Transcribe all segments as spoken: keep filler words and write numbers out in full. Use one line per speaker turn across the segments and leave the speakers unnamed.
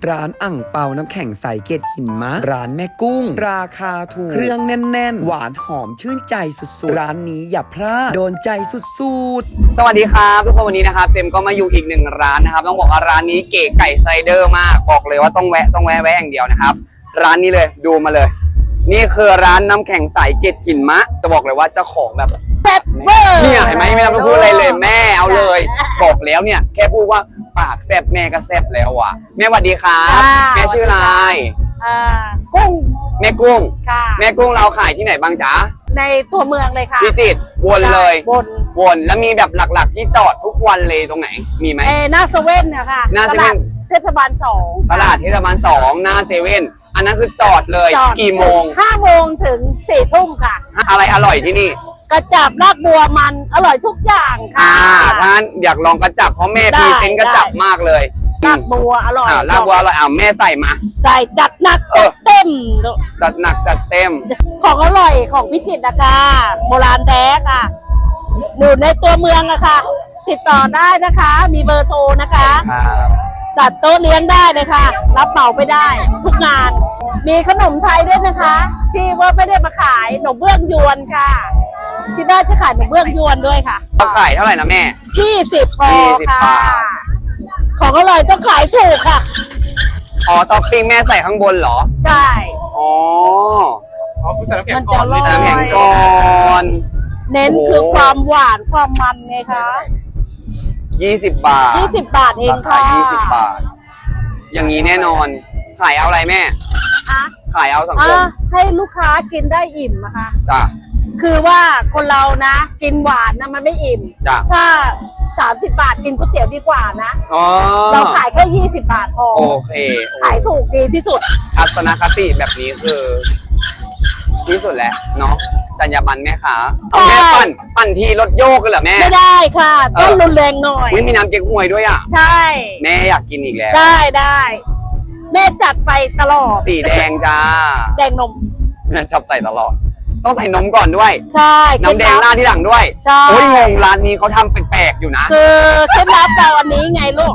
ร้านอ่างเปาน้ำแข็งใสเกล็ดหินมะร้านแม่กุ้งราคาถูกเครื่องแน่นๆหวานหอมชื่นใจสุดๆร้านนี้อย่าพลาดโดนใจสุดๆ
สวัสดีครับทุกคนวันนี้นะครับเจมก็มาอยู่อีกหนึ่งร้านนะครับต้องบอกว่าร้านนี้เก๋ไก่ไซเดอร์มากบอกเลยว่าต้องแวะต้องแวะแวะอย่างเดียวนะครับร้านนี้เลยดูมาเลย นี่คือร้านน้ำแข็งใสเกล็ดหินมะจะบอกเลยว่าเจ้าของแบบ
แซ่บเวอร์
เนี่ยเห็นไหมไม่ต้องพูดอะไรเลยแม่เอาเลยบอกแล้วเนี่ยแค่พูดว่าปากแซ่บแม่ก็แซ่บแล้วอ่ะแม่สวัสดีครับแม่ชื่ออะไร
อ่ากุ้ง
แม่กุ้ง
ค่ะ
แม่กุ้งเราขายที่ไหนบ้างจ๊ะ
ในตัวเมืองเลยค่ะ
พิจิตรวนเลย
วน
วนแล้วมีแบบหลักๆที่จอดทุกวันเลยตรงไหนมีไหม
เอหน้าเซเว่นนะคะ
หน้าเซเว่น
เทศบาลสอง
ตลาดเทศบาลสองหน้าเซเว่นอันนั้นคือจอดเลยกี่โมง
ห้าโมงถึงสี่ทุ่มค่ะ
อะไรอร่อยที่นี่
กระจับรากบัวมันอร่อยทุกอย่างค่ะ
ท่านอยากลองกระจับเพราะแม่พรีเซนต์กระจับมากเลย
รากบัวอร่อย
อ่ารากบัวอร่อยอ่าแม่ใส่มา
ใส่จัดหนักจัดเต็ม
จัดหนักจัดเต็ม
ของอร่อยของพิจิตรนะคะโบราณแท้ค่ะอยู่ในตัวเมืองอะค่ะติดต่อได้นะคะมีเบอร์โทรนะคะจัดโต๊ะเลี้ยงได้เลยค่ะรับเหมาไปได้ทุกงานมีขนมไทยด้วยนะคะที่ว่าไม่ได้มาขายขนมเบื้องยวนค่ะที่บ้านจะขายขนมเบื้องยวนด้วยค่ะ
เราขายเท่าไหร่นะแม่
ยี่สิบพอค่ะของอร่อยต้องขายถูกค่ะ
อ๋อท็อปปิ้งแม่ใส่ข้างบนเหรอ
ใช่
อ๋อ
อ๋อคือใส่น้ำแข็ง
มัน
ก่
จะ
อน
อร่อย
น้ำแข็งก่อน
เน้นคือความหวานความมันไงคะ
ยี่สิบบาท
ยี่สิบบาทเองค่ะ
ยี่สิบบาทอย่างนี้แน่นอนขายเอาอะไรแม่ขายเอาสังคม
ให้ลูกค้ากินได้อิ่มนะคะ
จ้ะ
คือว่าคนเรานะกินหวานนะมันไม่อิ่ม
จ้ะ
ถ้าสามสิบบาทกินก๋วยเตี๋ยวดีกว่านะ
อ๋อ
เราขายแค่ยี่สิบบาทพอ
โอเค
ขายถูกดีที่สุด
ทัศนคติแบบนี้คือที่สุดแล้วเนาะจรรยาบรรณแม่ค้าแม่ปั่นปั่นทีรถโยกกันเหรอแม่
ไม่ได้ค่ะต้องรุนแรงหน่อย
มีน้ำเก๊กฮวยด้วยอ่ะ
ใช่
แม่อยากกินอีกแล้ว
ได้ได้แม่จัดไปตลอด
สีแดงจ้า
แดงนม
แม่ชอบใส่ตลอดต้องใส่นมก่อนด้วย
ใช่
น้ำแดงราดที่หลังด้วย
ใช่
โอ้ยงงร้านนี้เขาทำแปลกๆอยู่นะ
คือเคล็ดลับเราอันนี้ไงลูก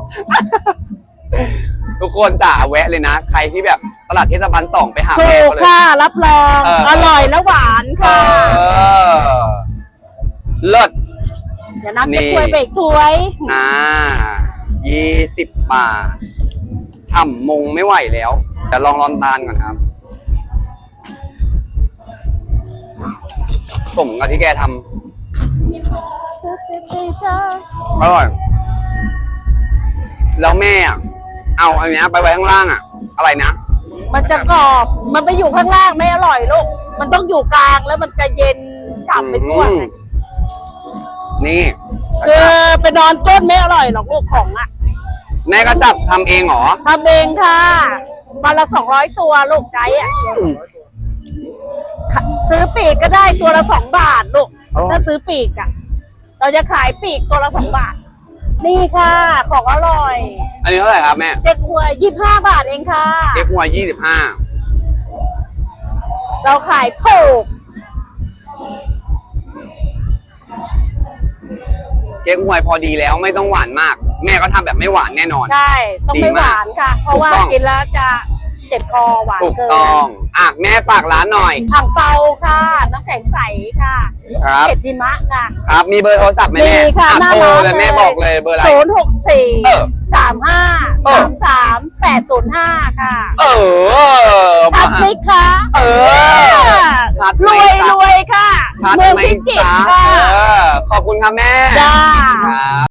ทุกคนจ๋าแวะเลยนะใครที่แบบตลาดเทศบาลสองไปหา
แม่
เขา
เลยค่ะรับรองอร่อยและหวานค่ะ
เลิศ
เดี๋ยวน้ำจะถ้วยเบรกถ้วย
อ่ายี่สิบบาทฉ่ำมงไม่ไหวแล้วแต่ลองร้อนตาลก่อนครับสมกับที่แกทำอร่อยแล้วแม่เอาอันนี้ไปไว้ข้างล่างอ่ะอะไรนะ
มันจะกรอบมันไปอยู่ข้างล่างไม่อร่อยลูกมันต้องอยู่กลางแล้วมันจะเย็นฉ่ำไปทั่ว
นี่
คือไปนอนต้นไม่อร่อยหรอกลูกของอ่ะ
แม่ก็จับทำเองเหรอ
ทำเองค่ะวันละสองร้อยตัวลูกใจอ่ะซื้อปีกก็ได้ตัวละสองบาทลูกถ้าซื้อปีกอ่ะเราจะขายปีกตัวละสองบาทนี่ค่ะของอร่อย
อันนี้เท่าไหร่ครับแม่
เจ๊กหวยยี่สิบห้าบาทเองค่ะ
เจ๊กหวยยี่สิบห้า
เราขายถูก
เจ๊กหวยพอดีแล้วไม่ต้องหวานมากแม่ก็ทำแบบไม่หวานแน่นอน
ใช่ต้องไม่หวานค่ะเพราะว่ากินแล้วจะเจ็บคอหวานเกิน
ถูกต้องอ่ะแม่ฝากร้านหน่อย
อ่างเปาค่ะน้ำแข็งใสค่ะ
ครับ
เกล็ดหิมะค่ะ
ครับมีเบอร์โทรศัพท์ไหมแม่
ค่ะหน้าร้านเลย
แม่บอกเลยเบอร์อะไร
ศูนย์หกสี่สามห้าสามสามแปดศูนย์ห้าค่ะ
เออ
ชัดไหมคะ
เออชัด
รวยรวยค่ะ
ชัดไหมจ๊ะขอบคุณค่ะแม่
จ้า